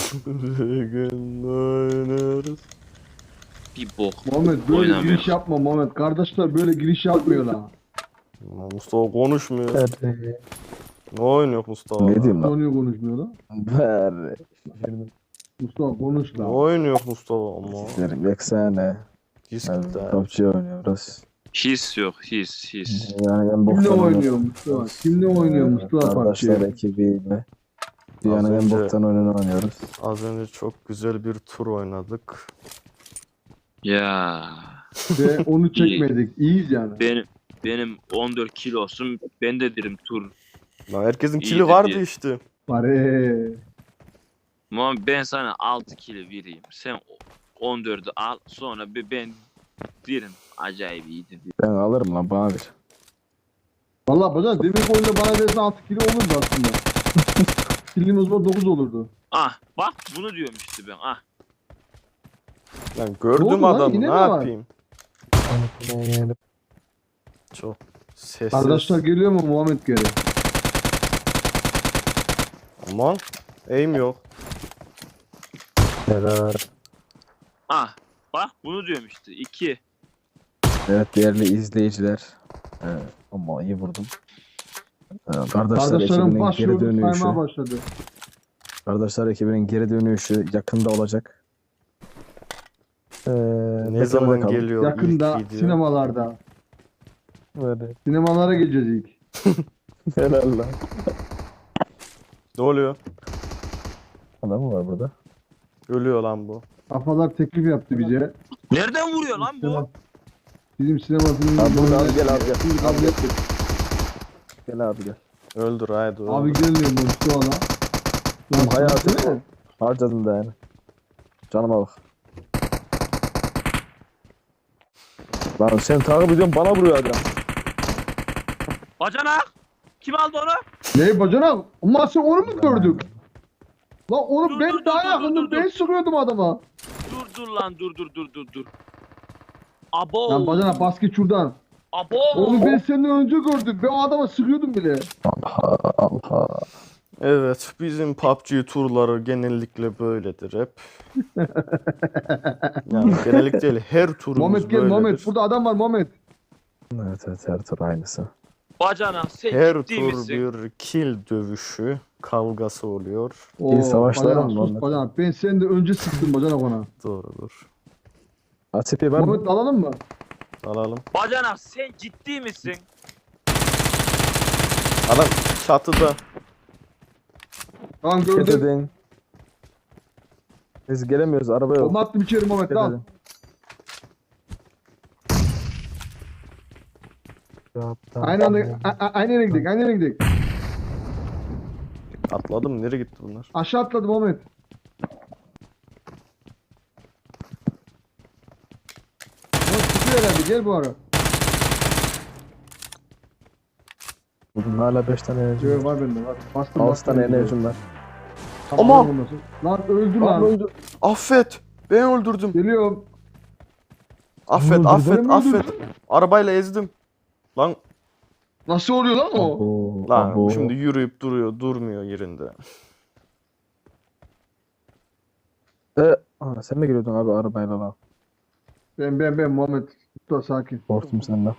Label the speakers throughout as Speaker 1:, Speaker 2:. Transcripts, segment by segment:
Speaker 1: Bir gün oynarız.
Speaker 2: Bir bok.
Speaker 3: Muhammed böyle
Speaker 2: Oynamıyor.
Speaker 3: giriş yapma Muhammed. Kardeşler böyle giriş yapmıyorlar.
Speaker 1: Mustafa konuşmuyor.
Speaker 4: Hadi.
Speaker 1: Ne oynuyor Mustafa?
Speaker 5: Ne diyeyim lan?
Speaker 3: Konuyu konuşmuyor lan.
Speaker 5: Ver.
Speaker 3: Mustafa konuş
Speaker 1: Ne
Speaker 3: lan.
Speaker 1: oynuyor Mustafa ama?
Speaker 5: Sizlerim yeksene.
Speaker 1: Diskte.
Speaker 5: Topçu oynuyoruz.
Speaker 2: His yok, his.
Speaker 5: Yani ben
Speaker 3: Kimle
Speaker 5: boktan
Speaker 3: oynuyor Mustafa? Kimle oynuyor Mustafa
Speaker 5: Kardeşler
Speaker 3: PUBG?
Speaker 5: ekibiyle. Dünyanın
Speaker 1: Az
Speaker 5: en
Speaker 1: önce-
Speaker 5: boktan oyununu oynuyoruz.
Speaker 1: Az önce çok güzel bir tur oynadık.
Speaker 2: Ya.
Speaker 3: Ve onu çekmedik. İyiyiz yani.
Speaker 2: Benim 14 kilosum, ben de derim tur.
Speaker 1: Lan herkesin
Speaker 2: İyiydi
Speaker 1: kili vardı
Speaker 2: diye.
Speaker 1: işte.
Speaker 3: Pare.
Speaker 2: Ama ben sana 6 kilo vereyim. Sen 14'ü al, sonra ben derim acayip iyiydi diye.
Speaker 5: Ben alırım lan bana ver.
Speaker 3: Valla bacan demek oyunda bana versen 6 kilo olurdu aslında. Kilim o zaman 9 olurdu.
Speaker 2: Ah bak bunu diyorum işte ben ah.
Speaker 1: Lan
Speaker 3: Ne
Speaker 1: gördüm
Speaker 3: oldu lan?
Speaker 1: adamı,
Speaker 3: Yine
Speaker 1: ne
Speaker 3: mi var?
Speaker 1: yapayım? Çok sessiz.
Speaker 3: Kardeşler geliyor mu Muhammed geri?
Speaker 1: Aman. Aim yok.
Speaker 4: Helal.
Speaker 2: Ah bak bunu diyorum işte 2.
Speaker 5: Evet değerli izleyiciler. Ama iyi vurdum. Kardeşler
Speaker 3: Kardeşlerim
Speaker 5: ekibinin geri
Speaker 3: başlıyordu saymaya
Speaker 5: dönüşü.
Speaker 3: başladı.
Speaker 5: Kardeşler ekibinin geri dönüşü yakında olacak.
Speaker 1: Ne
Speaker 5: bekle
Speaker 1: zaman
Speaker 5: bakalım.
Speaker 1: geliyor
Speaker 3: Yakında
Speaker 1: ilk video?
Speaker 3: sinemalarda.
Speaker 4: Hadi.
Speaker 3: Sinemalara geleceğiz ilk.
Speaker 5: Helal lan.
Speaker 1: Ne oluyor?
Speaker 5: Adam mı var burada?
Speaker 1: Ölüyor lan bu.
Speaker 3: Kafalar teklif yaptı bize.
Speaker 2: Nereden vuruyor lan bu?
Speaker 3: Bizim sinema filmimiz.
Speaker 5: Abi burada abi gel abi gel.
Speaker 3: Şimdi kabul ettik.
Speaker 5: Gel abi gel.
Speaker 1: Öldür haydi öldür.
Speaker 3: Abi gelmiyor bu Mustafa'la.
Speaker 5: Oğlum hayatı
Speaker 3: değil mi?
Speaker 5: harcadım da yani. Canıma bak. Lan sen takip ediyorsun bana vuruyor adam.
Speaker 2: Bacanak! Kim aldı onu?
Speaker 3: Ne bacanak? Ama sen onu mu gördük? Lan onu
Speaker 2: Dur,
Speaker 3: ben
Speaker 2: dur,
Speaker 3: daha
Speaker 2: dur,
Speaker 3: yakındım.
Speaker 2: dur, dur.
Speaker 3: Ben sıkıyordum adama.
Speaker 2: Dur lan dur. Abo.
Speaker 3: Lan bacanak basket şuradan.
Speaker 2: Abo.
Speaker 3: Onu ben senden önce gördüm. Ben o adama sıkıyordum bile.
Speaker 5: Allah Allah.
Speaker 1: Evet, bizim PUBG turları genellikle böyledir hep. Yani genellikle değil, her turumuz
Speaker 3: Muhammed gel
Speaker 1: böyledir.
Speaker 3: Muhammed. Burada adam var Muhammed.
Speaker 5: Evet her tur aynısı.
Speaker 2: Bacanak sen
Speaker 1: Her
Speaker 2: ciddi
Speaker 1: tur
Speaker 2: misin?
Speaker 1: bir kill dövüşü, kavgası oluyor.
Speaker 3: Oo,
Speaker 5: savaşlar
Speaker 3: bacanak,
Speaker 5: mı
Speaker 3: sus
Speaker 5: Muhammed?
Speaker 3: bacanak. Ben senden önce sıktım bacanak ona.
Speaker 1: Doğrudur.
Speaker 5: ATP var mı?
Speaker 3: Muhammed alalım mı?
Speaker 1: Alalım.
Speaker 2: Bacanak sen ciddi misin?
Speaker 1: Adam çatıda.
Speaker 3: Tamam gördüm.
Speaker 5: Getirdin. Biz gelemiyoruz araba yok.
Speaker 3: Bomba attım içeri Muhammed al.
Speaker 5: Getirdin.
Speaker 3: Aynı anda aynı yere gidelim. Aynı yere gidelim.
Speaker 1: Atladım, nereye gitti bunlar?
Speaker 3: Aşağı atladım Muhammed. Muhammed çıkıyor herhalde. Gel bu ara.
Speaker 5: Bugün hala 5 tane enerji
Speaker 3: Şöyle
Speaker 5: var.
Speaker 3: var bende var. Bastım
Speaker 5: 6 tane enerjim var.
Speaker 3: Tamam,
Speaker 1: Aman!
Speaker 3: olmasın. Lan öldü lan.
Speaker 1: Affet! Ben öldürdüm.
Speaker 3: Geliyorum.
Speaker 1: Affet,
Speaker 3: Öldürdün
Speaker 1: affet,
Speaker 3: mü,
Speaker 1: affet.
Speaker 3: öldürdün?
Speaker 1: Arabayla ezdim. Lan,
Speaker 3: Nasıl oluyor lan o?
Speaker 5: Abo,
Speaker 1: lan
Speaker 5: abo.
Speaker 1: şimdi yürüyüp duruyor, durmuyor yerinde.
Speaker 5: Sen mi geliyordun abi arabayla lan?
Speaker 3: Ben Muhammed. Dur sakin.
Speaker 5: Korktum senden.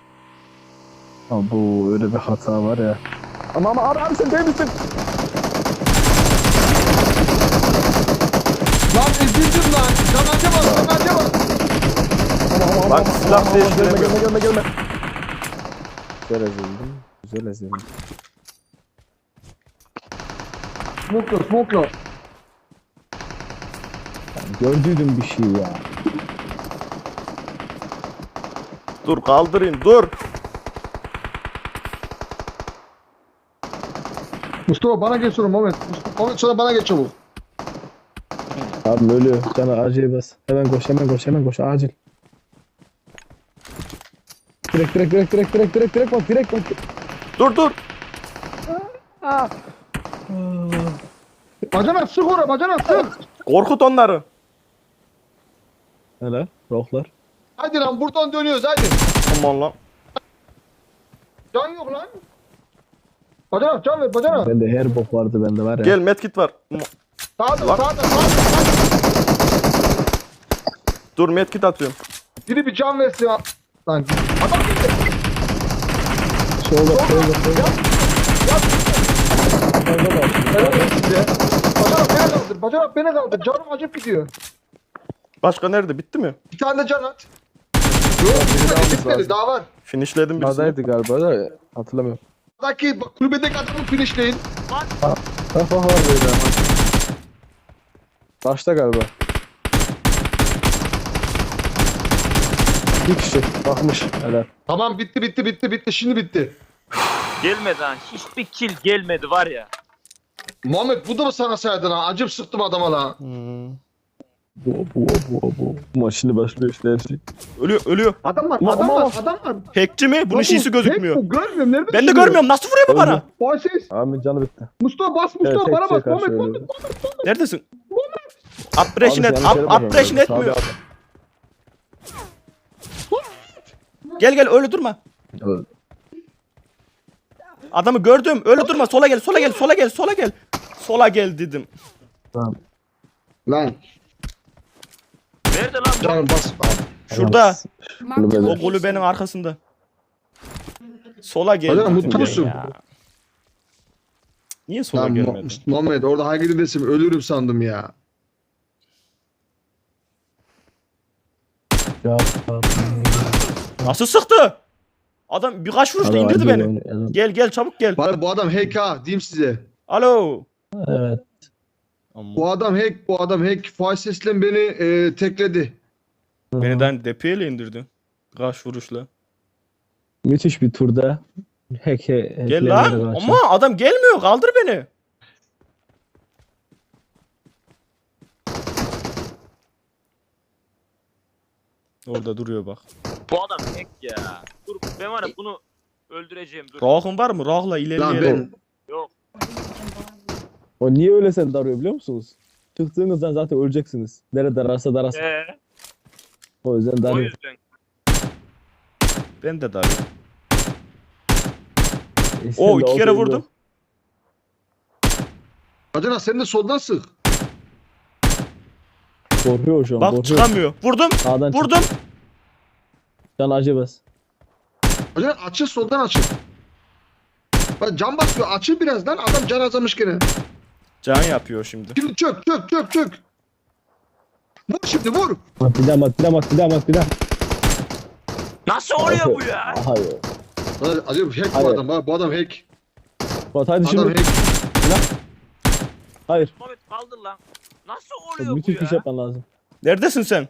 Speaker 5: Abo öyle bir hata var ya. Ama abi sen değil misin?
Speaker 3: Lan ezildim lan. Canaca bak canaca bak.
Speaker 1: Bak silah değiştiremiyorum.
Speaker 5: Gelme. Güzel ezildim. Güzel ezildim.
Speaker 3: Smoke'la.
Speaker 5: Gördüydüm bir şey ya.
Speaker 1: Dur kaldırayım, dur.
Speaker 3: Mustafa bana geç sonra Muhammed. Muhammed sonra bana geç çabuk.
Speaker 5: Abi ölüyor. Cana acil bas. Hemen koş acil. Direkt bak.
Speaker 1: Dur.
Speaker 3: Bacanak sık oraya bacanak sık.
Speaker 1: Korkut onları.
Speaker 5: Hele rohlar.
Speaker 3: Hadi lan buradan dönüyoruz hadi.
Speaker 1: Aman lan.
Speaker 3: Can yok lan. Bacanak can ver bacanak.
Speaker 5: Bende her bok vardı bende var ya.
Speaker 1: Gel medkit var.
Speaker 3: Sağda.
Speaker 1: Dur medkit atıyorum.
Speaker 3: Biri bir can versin ya. Lan adam gitti.
Speaker 5: Solda.
Speaker 3: Evet size. Bacanak beni kaldır. Canım acıp gidiyor.
Speaker 1: Başka nerede? Bitti mi?
Speaker 3: Bir tane de can at. Yok bitmedi. Daha var.
Speaker 1: Finishledim birisini.
Speaker 5: Adaydı galiba da hatırlamıyorum.
Speaker 3: Buradaki kulübedeki adamı finishleyin.
Speaker 5: Bak var böyle ama. Başta galiba. Bir kişi bakmış. Helal.
Speaker 3: Tamam bitti. Şimdi bitti.
Speaker 2: Gelmedi ha. Hiçbir kill gelmedi var ya.
Speaker 3: Muhammed bu da mı sana saydın ha? Acım sıktım adama la.
Speaker 5: Bu. Maç şimdi başlıyor işte her şey.
Speaker 1: Ölüyor.
Speaker 3: Adam var.
Speaker 1: Hackçi mi? Bunun şişi gözükmüyor.
Speaker 3: Görmüyorum. Nerede?
Speaker 1: Ben de görmüyorum. Nasıl vuruyor bu bana?
Speaker 3: Fasis.
Speaker 5: Amin canı bitti.
Speaker 3: Mustafa bas
Speaker 5: Evet,
Speaker 3: bana bas.
Speaker 5: karşı
Speaker 3: Muhammed.
Speaker 5: öyle.
Speaker 1: Neredesin? Uppression
Speaker 5: Abi
Speaker 1: et.
Speaker 5: sen yanlış yere
Speaker 1: Uppression
Speaker 5: bakıyorsun.
Speaker 1: etmiyor.
Speaker 5: Sağda.
Speaker 1: Gel öyle durma.
Speaker 5: Evet.
Speaker 1: Adamı gördüm. Öyle durma. Sola gel. Sola gel dedim.
Speaker 5: Tamam.
Speaker 3: Lan
Speaker 2: Nerede lan bu?
Speaker 3: canım bas.
Speaker 1: Şurada.
Speaker 6: Marked a
Speaker 1: O
Speaker 6: location.
Speaker 1: kulübenin arkasında. Sola gel
Speaker 3: Hocam,
Speaker 1: dedim
Speaker 3: mutlu
Speaker 1: ben
Speaker 3: musun?
Speaker 1: ya. Niye sola
Speaker 3: Lan
Speaker 1: gelmedin?
Speaker 3: Muhammed orada hangi gidesim ölürüm sandım ya.
Speaker 5: Ya.
Speaker 1: Nasıl sıktı? Adam birkaç vuruşta indirdi beni. Gel çabuk gel.
Speaker 3: Bari bu adam hack ha diyeyim size.
Speaker 1: Alo.
Speaker 5: Evet.
Speaker 3: Bu adam hack. Faises'le beni tekledi.
Speaker 1: Beni depiyle indirdi. Kaç vuruşla.
Speaker 5: Müthiş bir turda.
Speaker 1: Gel lan. Ama adam gelmiyor. Kaldır beni. Orada duruyor bak.
Speaker 2: Bu adam hack ya. Dur ben var ya bunu öldüreceğim dur.
Speaker 1: Rahın var mı? Rahla
Speaker 3: Lan
Speaker 1: ilerleyelim.
Speaker 2: Yok.
Speaker 5: O niye öyle sen darıyor biliyor musunuz? Çıktığınızdan zaten öleceksiniz. Nerede dararsa darasın. O yüzden
Speaker 2: O
Speaker 5: darıyor.
Speaker 2: yüzden.
Speaker 1: Ben de darıyorum. O iki kere vurdum.
Speaker 3: Bacana sen de soldan sık.
Speaker 5: Korkuyor şu an.
Speaker 1: Bak
Speaker 5: korkuyor.
Speaker 1: çıkamıyor. Vurdum.
Speaker 5: Sağdan
Speaker 1: Vurdum.
Speaker 5: çık. Can acı bas.
Speaker 3: Bacana açıl soldan açıl. Bak can basıyor açıl biraz lan adam can azamış gene.
Speaker 1: Can yapıyor şimdi.
Speaker 3: Şimdi çök. Vur şimdi vur.
Speaker 5: Bir daha.
Speaker 2: Nasıl oluyor bu ya?
Speaker 5: Hayır.
Speaker 3: Acaba hack bu
Speaker 5: Hayır.
Speaker 3: adam. Bu adam hack.
Speaker 5: Bak hadi
Speaker 3: Adam
Speaker 5: şimdi.
Speaker 3: hack.
Speaker 5: Hayır.
Speaker 2: Mehmet kaldır lan. Nasıl oluyor bu
Speaker 5: Müthiş bir şey
Speaker 2: ya?
Speaker 5: yapman lazım.
Speaker 1: Neredesin sen?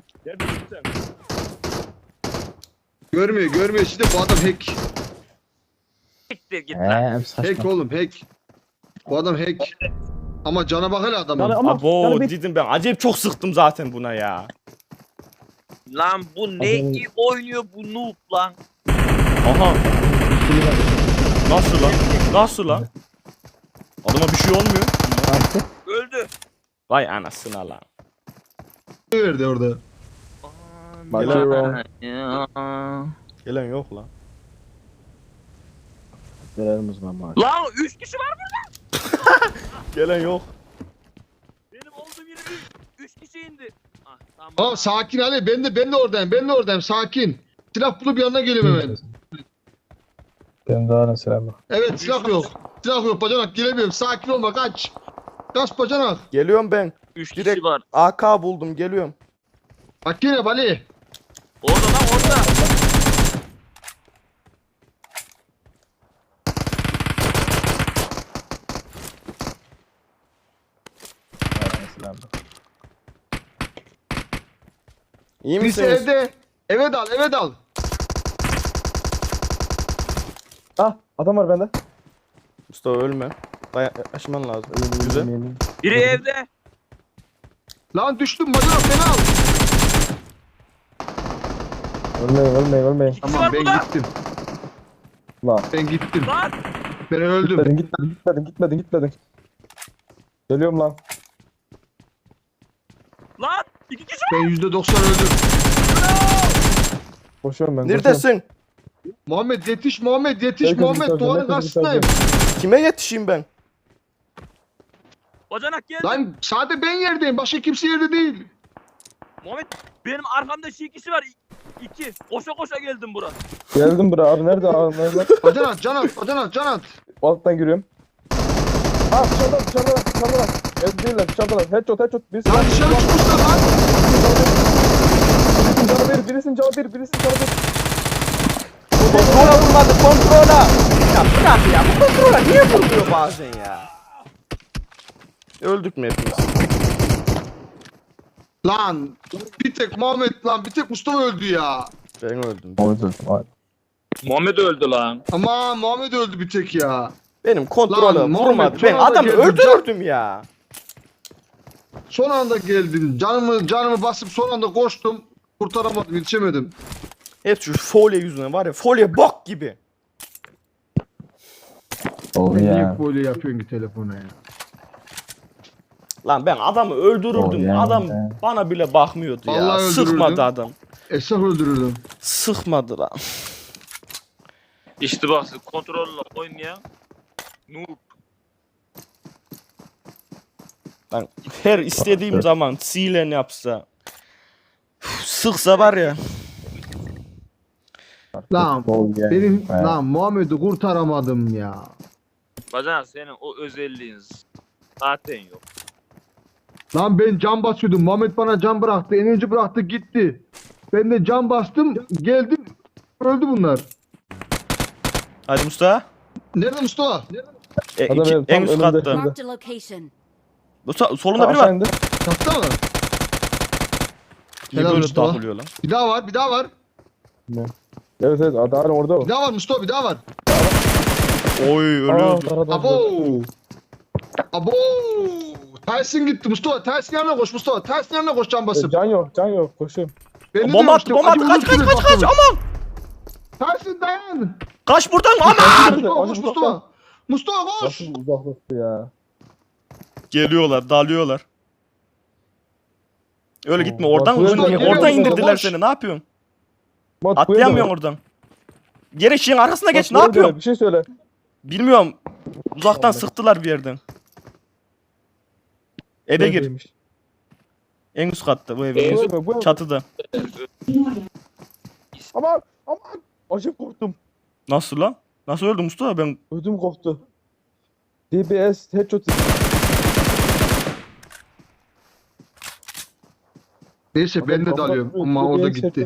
Speaker 3: Görmüyor. Şimdi bu adam hack.
Speaker 2: Siktir git lan.
Speaker 3: Hack oğlum hack. Bu adam hack. Ama cana bak hele adamın.
Speaker 5: Ama
Speaker 1: Abo
Speaker 5: bir
Speaker 1: dedim ben. Acayip çok sıktım zaten buna ya.
Speaker 2: Lan bu ne iyi oynuyor bu noob lan.
Speaker 1: Aha. Nasıl lan? Adama bir şey olmuyor.
Speaker 2: Öldü.
Speaker 1: Vay anasına lan.
Speaker 3: Ne verdi orada?
Speaker 5: Bakıyorum.
Speaker 2: Ya.
Speaker 1: Gelen yok lan.
Speaker 5: Verelim o zaman maaş.
Speaker 2: Lan 3 kişi var burada.
Speaker 1: Gelen yok.
Speaker 2: Benim olduğum yere 3 kişi indi. Ah, tamam.
Speaker 3: Tamam sakin Ali. Ben de oradayım. Sakin. Silah bulup yanına geliyorum hemen.
Speaker 5: Ben daha selam.
Speaker 3: Evet silah yok. Silah yok bacanak gelemiyorum. Sakin olma kaç. Kaç bacanak.
Speaker 1: Geliyorum ben.
Speaker 2: 3
Speaker 1: direkt-
Speaker 2: kişi var.
Speaker 1: AK buldum geliyorum.
Speaker 3: Bak yine Ali.
Speaker 2: Orada lan orada.
Speaker 1: İyi
Speaker 3: Birisi
Speaker 1: misiniz?
Speaker 3: evde. Eve dal.
Speaker 5: Ah adam var bende.
Speaker 1: Mustafa ölme. Yaklaşman lazım. Güzel.
Speaker 2: Biri evde.
Speaker 3: Lan düştüm bacanak beni al.
Speaker 5: Ölmeyin.
Speaker 2: var
Speaker 3: Tamam ben
Speaker 2: burada.
Speaker 3: gittim.
Speaker 5: Lan.
Speaker 3: Ben gittim.
Speaker 2: Lan.
Speaker 3: Ben öldüm.
Speaker 5: Gitmedin. Geliyorum lan.
Speaker 2: Lan. 2 kişi var.
Speaker 3: Ben %90 öldüm.
Speaker 5: Koşuyorum ben.
Speaker 1: Neredesin?
Speaker 3: Muhammed yetiş
Speaker 5: Herkes
Speaker 3: Muhammed
Speaker 5: yukarıda,
Speaker 3: duvarın
Speaker 5: herkes
Speaker 3: karşısındayım.
Speaker 1: Kime yetişeyim ben?
Speaker 2: Bacanak geldi.
Speaker 3: Lan sadece ben yerdeyim. Başka kimse yerde değil.
Speaker 2: Muhammed benim arkamda şey kişi var. 2. Koşa koşa geldim buraya.
Speaker 5: Geldim buraya abi nerede abi nerede?
Speaker 3: Bacanak can at.
Speaker 5: Alttan giriyorum. Ha dışarıda. Evet değiller dışarıdalar. Headshot. Birisi
Speaker 3: Lan dışarı çıkmışlar lan.
Speaker 5: birisinin canı bir.
Speaker 1: Kontrola vurmadı kontrola. Ya bırak ya bu kontrola niye vurmuyor bazen ya? Öldük mü hepimiz?
Speaker 3: Lan bir tek Muhammed lan bir tek Mustafa öldü ya.
Speaker 1: Ben öldüm.
Speaker 2: Muhammed öldü lan.
Speaker 3: Ama Muhammed öldü bir tek ya.
Speaker 1: Benim kontrolü
Speaker 3: Lan,
Speaker 1: vurmadı.
Speaker 3: Muhammed,
Speaker 1: Ben
Speaker 3: sonra da
Speaker 1: adamı
Speaker 3: geldim.
Speaker 1: öldürdüm ya.
Speaker 3: Son anda geldim. Canımı basıp son anda koştum. Kurtaramadım, yetişemedim.
Speaker 1: Hep şu folye yüzünden var ya folye bok gibi.
Speaker 3: Niye böyle yapıyorsun ki telefona ya?
Speaker 1: Lan ben adamı öldürürdüm. Adam bana bile bakmıyordu ya.
Speaker 3: Vallahi öldürürdüm.
Speaker 1: Sıkmadı adam.
Speaker 3: Esnaf öldürürdüm.
Speaker 1: Sıkmadı lan.
Speaker 2: İşte bak kontrolle oynayan. Noob.
Speaker 1: Ben her istediğim zaman silen yapsa sıksa var ya.
Speaker 3: Lan lan Muhammed'i kurtaramadım ya.
Speaker 2: Bacanak senin o özelliğin zaten yok.
Speaker 3: Lan ben can basıyordum. Muhammed bana can bıraktı. Enerji bıraktı gitti. Ben de can bastım. Geldim. Öldü bunlar.
Speaker 1: Hadi Mustafa.
Speaker 3: Nerede Mustafa?
Speaker 5: Adam benim
Speaker 1: En
Speaker 5: tam
Speaker 1: üst
Speaker 5: önümde.
Speaker 1: katta.
Speaker 6: Marked a location.
Speaker 1: Solunda biri var.
Speaker 5: indi.
Speaker 3: Katta mı?
Speaker 1: Niye
Speaker 3: Helal
Speaker 1: böyle
Speaker 3: Mustafa.
Speaker 1: takılıyor lan?
Speaker 3: Bir daha var. Bir daha var.
Speaker 5: Evet adam orada o.
Speaker 3: Bir daha var Mustafa. Bir daha var.
Speaker 1: Oy ölüyordu.
Speaker 3: Abo. Abo. Tyson gitti Mustafa. Tyson yanına koş Mustafa. Tyson yanına koş can basıp.
Speaker 5: Can yok koşuyorum.
Speaker 3: Ben de
Speaker 1: Bomba attı
Speaker 3: demiştim,
Speaker 1: bomba attı
Speaker 3: acı
Speaker 1: kaç
Speaker 3: vurursun
Speaker 1: aman.
Speaker 3: Tyson dayan.
Speaker 1: Kaç buradan aman.
Speaker 3: Mustafa koş Mustafa. Mustafa koş.
Speaker 5: Nasıl uzaklaştı ya.
Speaker 1: Geliyorlar dalıyorlar. Öyle gitme
Speaker 5: Oo,
Speaker 1: oradan
Speaker 5: bak,
Speaker 1: uzun
Speaker 3: böyle
Speaker 1: oradan
Speaker 3: geliyor,
Speaker 1: indirdiler
Speaker 3: boş.
Speaker 1: seni ne yapıyorsun?
Speaker 5: Mat,
Speaker 1: Atlayamıyorsun oradan. Geri şeyin arkasına geç ne yapıyorsun?
Speaker 5: Bir şey söyle.
Speaker 1: Bilmiyorum. Uzaktan
Speaker 5: Vallahi.
Speaker 1: sıktılar bir yerden. Eve gir.
Speaker 5: Neredeymiş?
Speaker 1: En üst katta bu evin.
Speaker 5: Bu-
Speaker 1: Çatıda.
Speaker 5: Aman. Acayip korktum.
Speaker 1: Nasıl lan? Nasıl öldü Mustafa? Ben
Speaker 5: Ödüm koptu. DBS headshot.
Speaker 3: Neyse ben de dalıyorum ama o da gitti.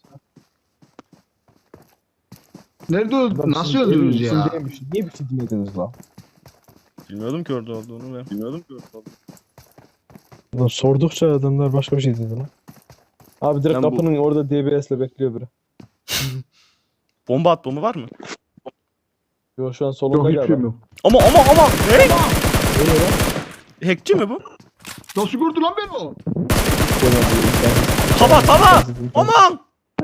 Speaker 3: Nerede öldü? Nasıl öldünüz ya?
Speaker 5: Niye bir şey demediniz lan?
Speaker 1: bilmiyordum ki orada olduğunu ben. Bilmiyordum ki orada olduğunu.
Speaker 4: Ulan sordukça adamlar başka bir şey dedi lan.
Speaker 5: Abi direkt
Speaker 1: Ben bu-
Speaker 5: kapının orada DBS'le bekliyor biri.
Speaker 1: Bomba at bomba var mı?
Speaker 5: Yo şu an
Speaker 3: Yok
Speaker 5: solunda
Speaker 3: hiç
Speaker 5: galiba.
Speaker 3: şeyim yok.
Speaker 1: Ama. Ne? Hackçi mi bu?
Speaker 3: Nasıl gördü lan beni o?
Speaker 1: Tava. Aman.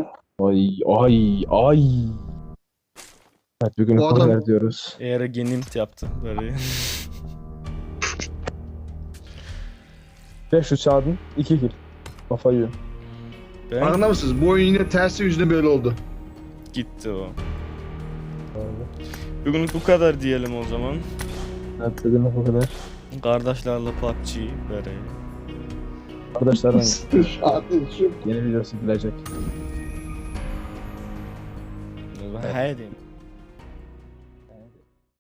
Speaker 5: Ay. Evet bugün
Speaker 3: O adam-
Speaker 5: korner diyoruz.
Speaker 1: Eğer genimt yaptı böyle.
Speaker 5: 500 çağırdın 2 kill. Kafa yiyor.
Speaker 1: Ben
Speaker 3: Farkında mısınız? Bu oyun yine tersi yüzüne böyle oldu.
Speaker 1: gitti o. Bugünlük bu kadar diyelim o zaman.
Speaker 5: Evet dedim o kadar.
Speaker 1: Kardeşlerle PUBG böyle.
Speaker 5: Arkadaşlar
Speaker 3: Hadi şu
Speaker 5: yeni videosu gelecek.
Speaker 1: Haydi.